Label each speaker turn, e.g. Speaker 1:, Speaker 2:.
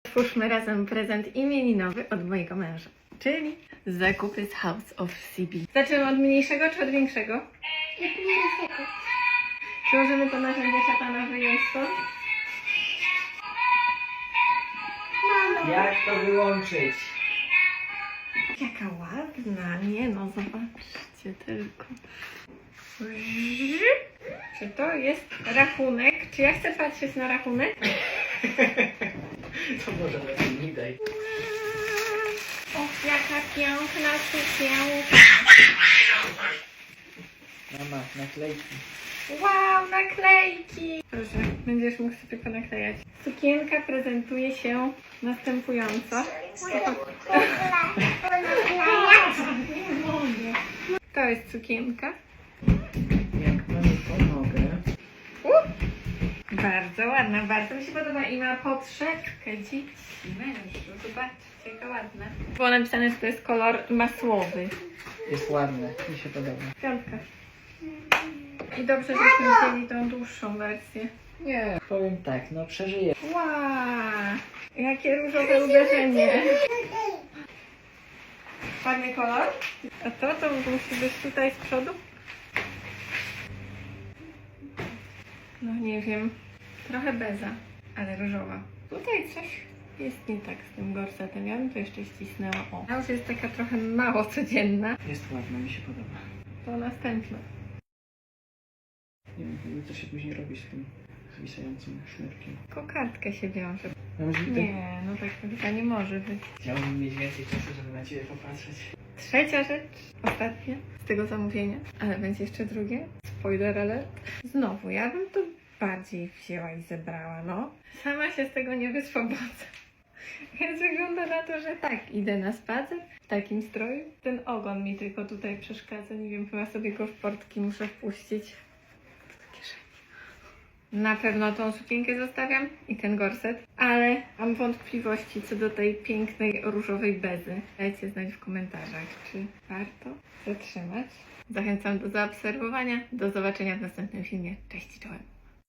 Speaker 1: Otwórzmy razem prezent imieninowy od mojego męża, czyli zakupy z House of CB. Zaczynamy od mniejszego czy od większego? Czy możemy to narzędzie szatana wyjąć stąd?
Speaker 2: Jak to wyłączyć?
Speaker 1: Jaka ładna, nie no, zobaczcie tylko. Czy to jest rachunek? Czy ja chcę patrzeć na rachunek?
Speaker 2: To może lepiej nie daj.
Speaker 1: Och, jaka piękna sukienka.
Speaker 2: Mama, naklejki.
Speaker 1: Wow, naklejki! Proszę, będziesz mógł sobie ponaklejać. Sukienka prezentuje się następująco. To jest sukienka.
Speaker 2: Jak panu pomogę?
Speaker 1: Bardzo ładna, bardzo mi się podoba i ma podszewkę dzieci. Mężu, zobaczcie, jaka ładna. Było napisane, że to jest kolor masłowy.
Speaker 2: Jest ładne, mi się podoba.
Speaker 1: Piątka. I dobrze, żeśmy wzięli tą dłuższą wersję.
Speaker 2: Nie, powiem tak, no przeżyję.
Speaker 1: Wow, jakie różowe uderzenie. Ładny kolor. A to musi być tutaj z przodu? No nie wiem. Trochę beza, ale różowa. Tutaj coś jest nie tak z tym gorsetem. Ja bym to jeszcze ścisnęła. O, ta już jest taka trochę mało codzienna.
Speaker 2: Jest ładna, mi się podoba.
Speaker 1: To następna.
Speaker 2: Nie wiem, co się później robi z tym zwisającym sznurkiem.
Speaker 1: Kokardkę się wiąże.
Speaker 2: No,
Speaker 1: Nie, no tak chyba nie może być.
Speaker 2: Chciałbym mieć więcej czasu, żeby na Ciebie popatrzeć.
Speaker 1: Trzecia rzecz, ostatnia z tego zamówienia, ale będzie jeszcze drugie. Spoiler alert. Znowu, ja bym to bardziej wzięła i zebrała, no. Sama się z tego nie wyswobodzę. Więc wygląda na to, że tak, idę na spacer w takim stroju. Ten ogon mi tylko tutaj przeszkadza, nie wiem, chyba sobie go w portki muszę wpuścić. Do kieszeni. Na pewno tą sukienkę zostawiam i ten gorset, ale mam wątpliwości co do tej pięknej różowej bezy. Dajcie znać w komentarzach, czy warto zatrzymać. Zachęcam do zaobserwowania. Do zobaczenia w następnym filmie. Cześć, czołem.